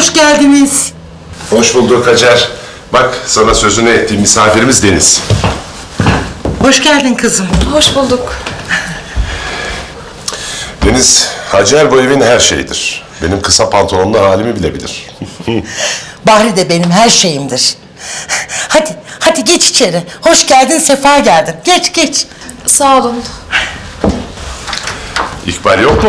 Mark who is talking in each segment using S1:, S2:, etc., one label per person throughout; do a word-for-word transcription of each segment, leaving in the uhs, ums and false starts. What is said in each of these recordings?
S1: hoş geldiniz.
S2: Hoş bulduk Hacer. Bak sana sözünü ettiğim misafirimiz Deniz.
S1: Hoş geldin kızım.
S3: Hoş bulduk.
S2: Deniz, Hacer bu evin her şeyidir. Benim kısa pantolonlu halimi bile bilir.
S1: Bahri de benim her şeyimdir. Hadi, hadi geç içeri. Hoş geldin, sefa geldin. Geç, geç.
S3: Sağ olun.
S2: İkbal yok mu?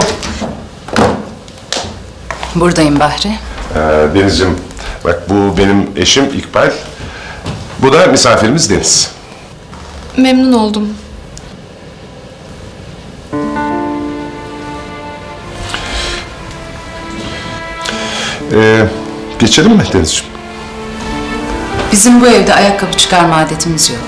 S4: Buradayım Bahri.
S2: Ee, Deniz'ciğim, bak bu benim eşim İkbal. Bu da misafirimiz Deniz.
S3: Memnun oldum.
S2: Ee, geçelim mi Deniz'ciğim?
S4: Bizim bu evde ayakkabı çıkarma adetimiz yok.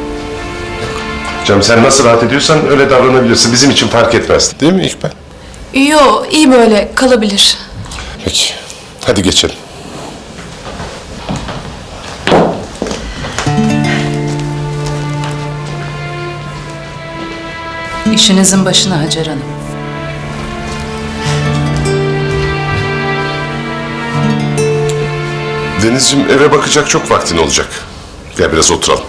S2: Canım sen nasıl rahat ediyorsan öyle davranabilirsin. Bizim için fark etmez. Değil mi İkbal?
S3: Yo, iyi böyle kalabilir.
S2: Peki. Hadi geçelim.
S4: İşinizin başına Hacer Hanım.
S2: Deniz'ciğim eve bakacak çok vaktin olacak. Gel biraz oturalım.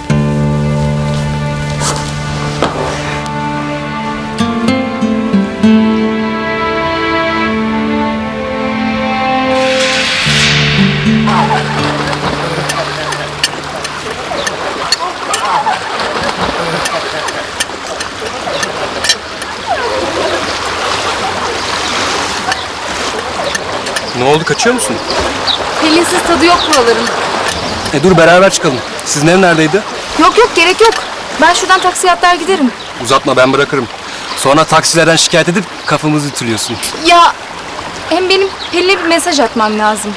S5: Ne oldu, kaçıyor musun?
S3: Pelinsiz tadı yok buraların.
S5: E dur beraber çıkalım. Sizin ev neredeydi?
S3: Yok yok, gerek yok. Ben şuradan taksiye atlar giderim.
S5: Uzatma, ben bırakırım. Sonra taksilerden şikayet edip kafamızı ütülüyorsun.
S3: Ya hem benim Pelin'e bir mesaj atmam lazım.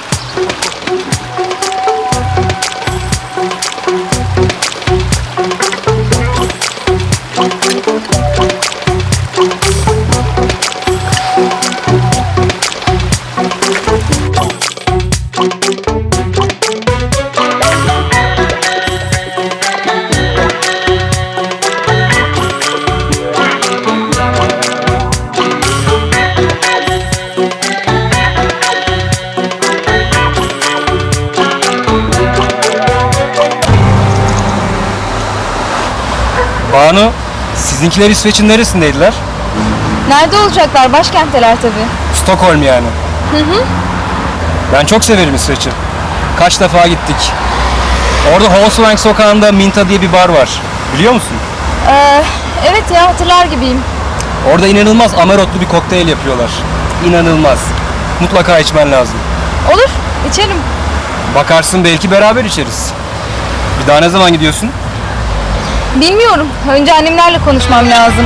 S5: Banu, sizinkiler İsveç'in neresindeydiler?
S3: Nerede olacaklar? Başkentteler tabii.
S5: Stockholm yani. Hı hı. Ben çok severim İsveç'i. Kaç defa gittik. Orada Holsvang sokağında Minta diye bir bar var. Biliyor musun?
S3: Ee, evet ya, hatırlar gibiyim.
S5: Orada inanılmaz amarotlu bir kokteyl yapıyorlar. İnanılmaz. Mutlaka içmen lazım.
S3: Olur, içerim.
S5: Bakarsın belki beraber içeriz. Bir daha ne zaman gidiyorsun?
S3: Bilmiyorum. Önce annemlerle konuşmam lazım.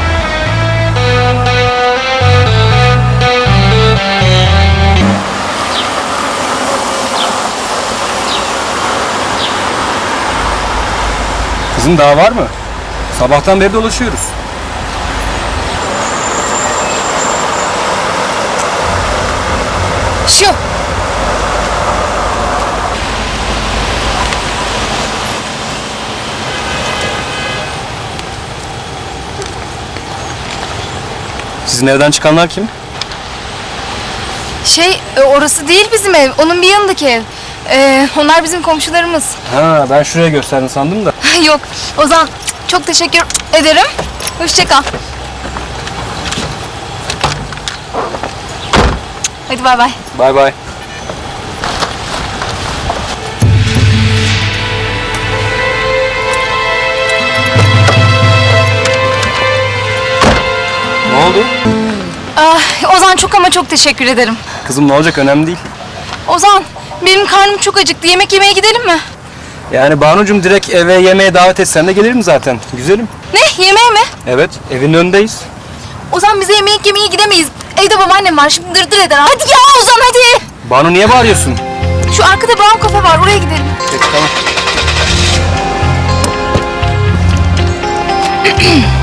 S5: Kızım daha var mı? Sabahtan beri dolaşıyoruz.
S3: Şu.
S5: Sizin evden çıkanlar kim?
S3: Şey, e, orası değil bizim ev. Onun bir yanındaki ev. Ee, onlar bizim komşularımız.
S5: Ha, ben şuraya gösterdin sandım da.
S3: Yok, Ozan çok teşekkür ederim. Hoşça kal. Hadi bay bay.
S5: Bay bay. Ne oldu?
S3: Ah, Ozan çok ama çok teşekkür ederim.
S5: Kızım ne olacak, önemli değil.
S3: Ozan, benim karnım çok acıktı. Yemek yemeye gidelim mi?
S5: Yani Banucuğum direkt eve yemeğe davet etsen de gelirim zaten. Güzelim.
S3: Ne? Yemeğe mi?
S5: Evet, evin önündeyiz.
S3: Ozan, bize yemek yemeye gidemeyiz. Evde babaannem var, şimdi dırdır eder. Hadi ya Ozan, hadi.
S5: Banu niye bağırıyorsun?
S3: Şu arkada Brown kafe var, oraya gidelim.
S5: Peki tamam.